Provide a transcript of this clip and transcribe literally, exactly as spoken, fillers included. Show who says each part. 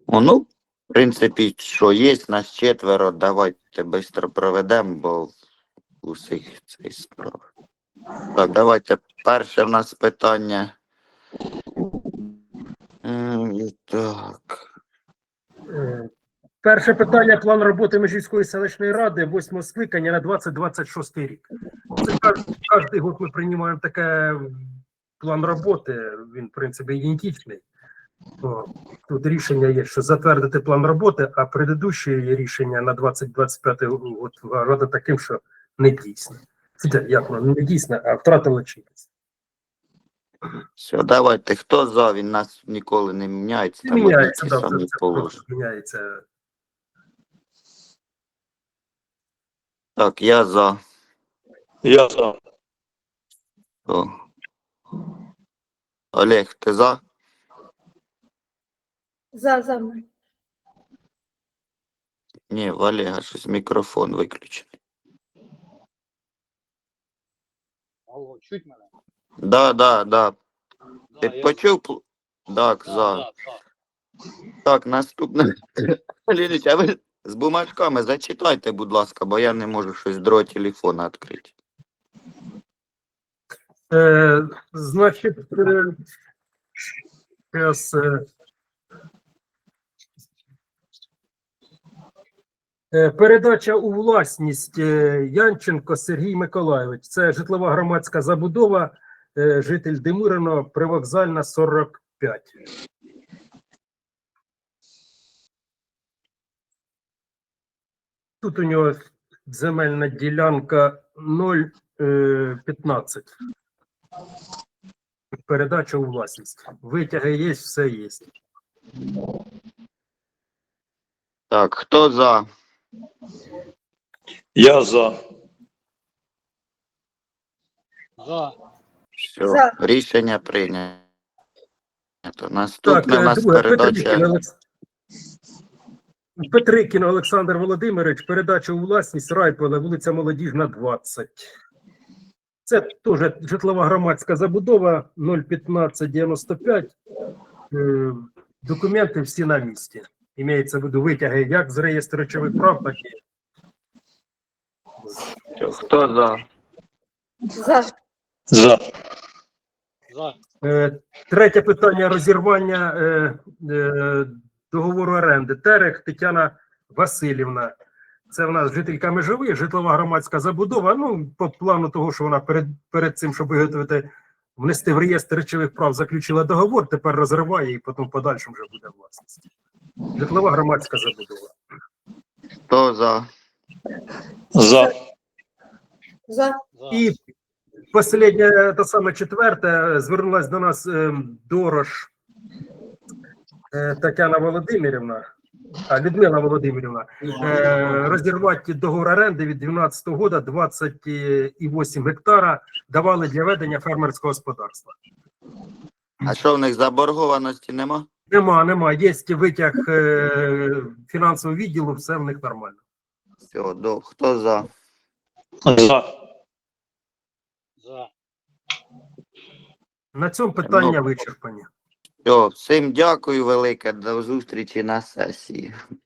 Speaker 1: О, ну, в принципі, що є, нас четверо, давайте швидко проведемо, бо усіх цей справ. Так, давайте перше в нас питання. М, і Так.
Speaker 2: Е, Перше питання: план роботи Межівської селищної ради восьмого скликання на двадцять двадцять шостий рік. Це кожен год ми приймаємо таке план роботи, він, в принципі, ідентичний. О, тут рішення є, що затвердити план роботи, а предыдущее рішення на двадцять двадцять п'ятий год рада таким, що не дійсне. Це як воно, не дійсне, а втратило чинність.
Speaker 1: Все, давайте. Хто за? Він нас ніколи не міняється.
Speaker 2: Не
Speaker 1: Там
Speaker 2: міняється,
Speaker 1: одні ті
Speaker 2: да,
Speaker 1: самі
Speaker 2: це, це
Speaker 1: положення.
Speaker 2: просто міняється.
Speaker 1: Так, я за.
Speaker 3: Я за.
Speaker 1: О. Олег, ти за?
Speaker 4: За, за.
Speaker 1: Ні, в Олега щось мікрофон виключений.
Speaker 3: Алло, чуть мене?
Speaker 1: Да, да, да. Ти
Speaker 3: Да, я-
Speaker 1: почув? пл- Так,
Speaker 3: Да,
Speaker 1: за.
Speaker 3: да, да.
Speaker 1: Так, наступне. Лінич, а ви з бумажками зачитайте, будь ласка, бо я не можу щось з другого телефона відкрити.
Speaker 2: Е, значить, е, зараз, е, е, передача у власність е, Янченко Сергій Миколайович. Це житлова громадська забудова, е, житель Демирино, привокзальна сорок п'ять. Тут у нього земельна ділянка нуль п'ятнадцять. Передача у власність. Витяги є, все є.
Speaker 1: Так, хто за?
Speaker 3: Я за. За.
Speaker 1: Все,
Speaker 4: За.
Speaker 1: рішення прийнято. Наступне
Speaker 2: Так,
Speaker 1: у
Speaker 2: е,
Speaker 1: нас
Speaker 2: друге,
Speaker 1: передача.
Speaker 2: Петрикін, Олекс... Петрикін Олександр Володимирович, передача у власність Райполе, вулиця Молодіжна, двадцять. Це теж житлова громадська забудова нуль п'ятнадцять дев'яносто п'ять. Е, Документи всі на місці. Імеється в виду витяги як з реєстру речових прав, так і.
Speaker 1: Хто за?
Speaker 4: За.
Speaker 3: За. За.
Speaker 2: Е, Третє питання: розірвання е, е, договору оренди. Терех Тетяна Васильівна. Це в нас жителька Межових, житлова громадська забудова. Ну, по плану того, що вона перед, перед цим, щоб виготовити, внести в реєстр речових прав, заключила договор, тепер розриває і потім в подальшому вже буде власність. Житлова громадська забудова.
Speaker 1: Хто за?
Speaker 3: За.
Speaker 4: За.
Speaker 2: І останнє, те саме четверте, звернулася до нас е, Дорош е, Тетяна Володимирівна, а Людмила Володимирівна, е, розірвати договор оренди від дванадцятого года двадцять вісім гектара давали для ведення фермерського господарства.
Speaker 1: А що в них заборгованості нема?
Speaker 2: Нема, нема. Є витяг е, фінансового відділу, все в них нормально.
Speaker 1: Все, до. Хто за?
Speaker 3: За. За.
Speaker 2: На цьому питання
Speaker 1: Ну,
Speaker 2: вичерпані.
Speaker 1: Все, всім дякую велике, до зустрічі на сесії.